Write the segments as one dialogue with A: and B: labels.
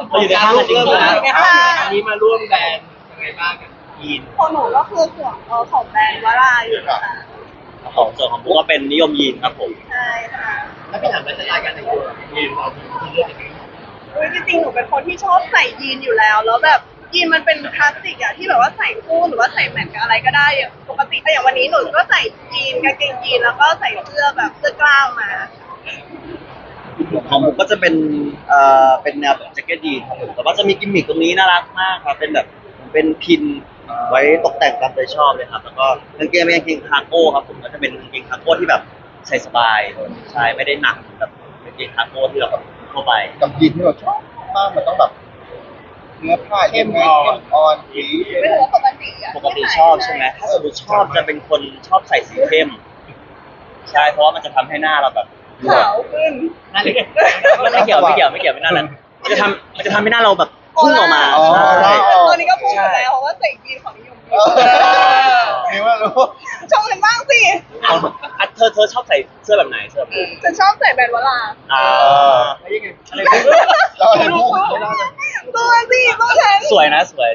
A: เราอยู่ในห้างจริงๆนะ
B: อันนี้มาร่วมแบรนด์ยังไงบ้างกับยีน
C: ของหนูก็คือส่วนของแบรนด์วาราอยู่ค่ะ
A: ของส่วนของผมก็เป็นนิยมยีนครับผม
C: ใช่ค่ะ
B: แล้วพี่ถามไลฟ์สไตล์การแต่งตัวยีนเราที่เลือกยังไง
C: จริงๆหนูเป็นคนที่ชอบใส่ยีนอยู่แล้วแบบยีนมันเป็นคลาสสิกอะที่แบบว่าใส่คู่หรือว่าใส่แมทกับอะไรก็ได้อย่างปกติอย่างวันนี้หนูก็ใส่ยีนกางเกงยีนแล้วก็ใส่เสื้อแบบเสื้อกล้ามมา
A: ของผมก็จะเป็นแนวแบบแจ็คเก็ตยีนครับผมแต่ว่าจะมีกิมมิคตรงนี้น่ารักมากครับเป็นแบบเป็นพินไว้ตกแต่งตามใจชอบเลยครับแล้วก็กางเกงเป็นกางเกงคาร์โก้ครับผมก็จะเป็นกางเกงคาร์โก้ที่แบบใส่สบายใช่ไม่ได้หนักแบบกางเกงคาร์โก้ที่เราแบบทั่วไป
D: กับยีนที่เราชอบมากมันต้องแบบเนื้อผ้าเข้มอ่อนสี
C: ไม่รู้ว่าปกติอะ
A: ปกติชอบใช่ไหมถ้าสมมติชอบจะเป็นคนชอบใส่สีเข้มใช่เพราะว่ามันจะทำให้หน้าเราแบบ
C: ขาวขึ้น
B: นั่นเลย
A: ไม่เกี่ยวไม่นั่นนั้นมันจะทำให้หน้าเราแบบพุ่งออกมาใช่
C: ตอนนี้ก็พูดอยู่แล้วเพราะว่าใส่ยีนของนิยม
D: นี่ว่ารู้
C: ชมกันบ้างสิ
A: เธอชอบใส่เสื้อแบบไหน
C: ฉันชอบใส่แบรนด์วารา
B: แล้วยังไงอะไร
D: เราอะไรพูด
C: ตัวสิตัวแทน
A: สวยนะสวย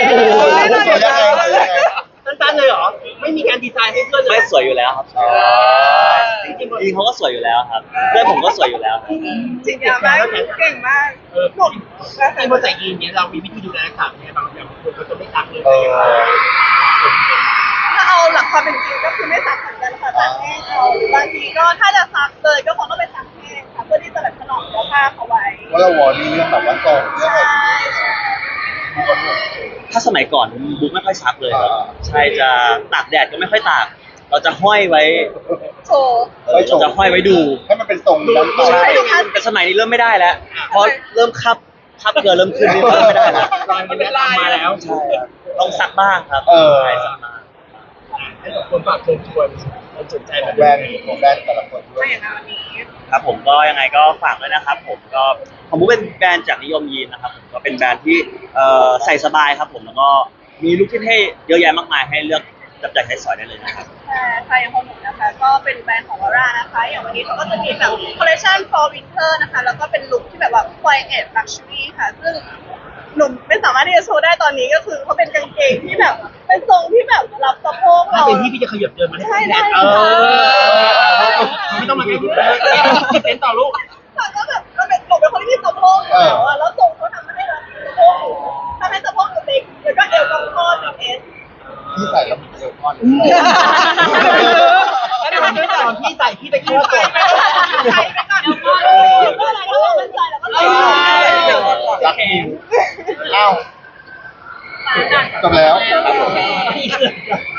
B: สั้นๆเลยเหรอไม่มีการดีไซน์ให้เพื่อนเลย
A: ไม่สวยอยู่แล้วครับจริงเขาก็สวยอยู่แล้วครับเพื่อนผมก็สวยอยู่แล้ว
C: จริงมากเก่งมาก
B: หมดที่พอใส่ยีนเนี้ยเรามีวิธีดูแลรักษาไงบางอย่างคนเขาจะไม่ซักเลย
C: ถ้าเอาหลักความเป็นจริงก็คือไม่ซักเหมือนกันค่ะซักแห้งเอาบางทีก็ถ้าจะซักเลยก็คงต้องไปซักแห้งค่ะเพื่อที่จะแบบถนอมเนื้อผ้าเขาไว้
D: ว่าเราวอร์นี่เรื่องแบบว่าทรงเรื่องแบบ
A: ถ้าสมัยก่อนบุ๊กไม่ค่อยซักเลยครับใช่จะตากแดดก็ไม่ค่อยตากเราจะห้อยไว้
C: โชว์
A: เราจะห้อยไว้ดู
D: ให้มันเป็นทรงนั้นไป
A: แต่สมัยนี้เริ่มไม่ได้แล้วเพราะเริ่มคับเกลือเริ่มขึ้นเริ่มไม่ได้แล้ว
B: มันเป็นลายมาแล้ว
A: ใช่ต้องซักบ้างครับใช่ซักบ้าง
B: ให้กับคนฝากเชิญชวนคนสนใจแบบ
D: แบรนด์แต่ละคนด้วย
A: ครับผมก็ยังไงก็ฝากด้วยนะครับผมก็ของบุ๊กเป็นแบรนด์จากนิยมยีนนะครับผมก็เป็นแบรนด์ที่ใส่สบายครับผมแล้วก็มีลุคที่เท่เยอะแยะมากมายให้เลือกจับจ่ายใช้สอยได้เลยนะครับ
C: ใช่อย่างของหนูนะคะก็เป็นแบรนด์ของวาร่านะคะอย่างวันนี้เขาก็จะมีแบบคอลเลคชัน for winter นะคะแล้วก็เป็นลุคที่แบบว่า quiet luxury ค่ะซึ่งหนุ่มไม่สามารถที่จะโชว์ได้ตอนนี้ก็คือเขาเป็นกางเกงที่แบบเป็นทรงที่แบบรับสะโพกเรา
B: ถ้าเป็นพี่จะขยับเดินมา
C: ได้
B: ไม่ต้องมาแก้ดูเต้นต่อลูก
C: ก็แบบก็เป็นหนูเป็นคนที่มีสะโพกอยู่แล้วทรงเขาทำให้เราสะโพกทำให้สะโพกเล็กแล้วก็เอวก็พอดเป็นเอส
D: พี่ใส่แล้วมีเอวพอด
B: แล้วตอนพี่ใส่พี่ตะกี้ก่อน
C: ใส่ไปก่อนเมื่อไหร่ก็ลองมันใส่แล้วก็ใส่
D: รักนิ้วอ้าวจบแล้ว